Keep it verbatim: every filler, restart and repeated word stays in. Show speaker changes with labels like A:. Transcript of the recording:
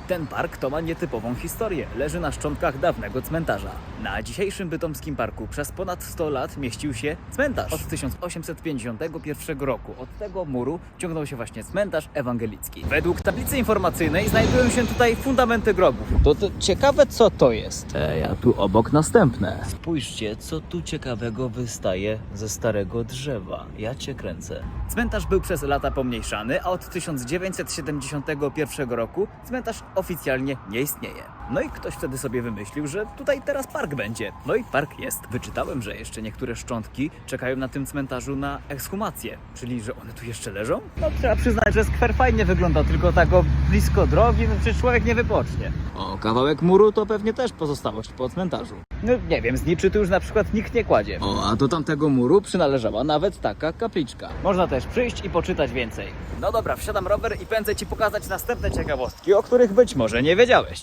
A: Ten park to ma nietypową historię. Leży na szczątkach dawnego cmentarza. Na dzisiejszym bytomskim parku przez ponad sto lat mieścił się cmentarz. Od tysiąc osiemset pięćdziesiątego pierwszego roku od tego muru ciągnął się właśnie cmentarz ewangelicki. Według tablicy informacyjnej znajdują się tutaj fundamenty grobów. To, to ciekawe, co to jest. E, a tu obok następne. Spójrzcie, co tu ciekawego wystaje ze starego drzewa. Ja cię kręcę. Cmentarz był przez lata pomniejszany, a od tysiąc dziewięćset siedemdziesiątego pierwszego roku cmentarz oficjalnie nie istnieje. No i ktoś wtedy sobie wymyślił, że tutaj teraz park będzie. No i park jest. Wyczytałem, że jeszcze niektóre szczątki czekają na tym cmentarzu na ekshumację. Czyli, że one tu jeszcze leżą? No trzeba przyznać, że skwer fajnie wygląda, tylko tak o blisko drogi, no przecież człowiek nie wypocznie. O, kawałek muru to pewnie też pozostałość po cmentarzu. No nie wiem, z niczy tu już na przykład nikt nie kładzie. O, a do tamtego muru przynależała nawet taka kapliczka. Można też przyjść i poczytać więcej. No dobra, wsiadam rower i pędzę Ci pokazać następne ciekawostki, o których być może nie wiedziałeś.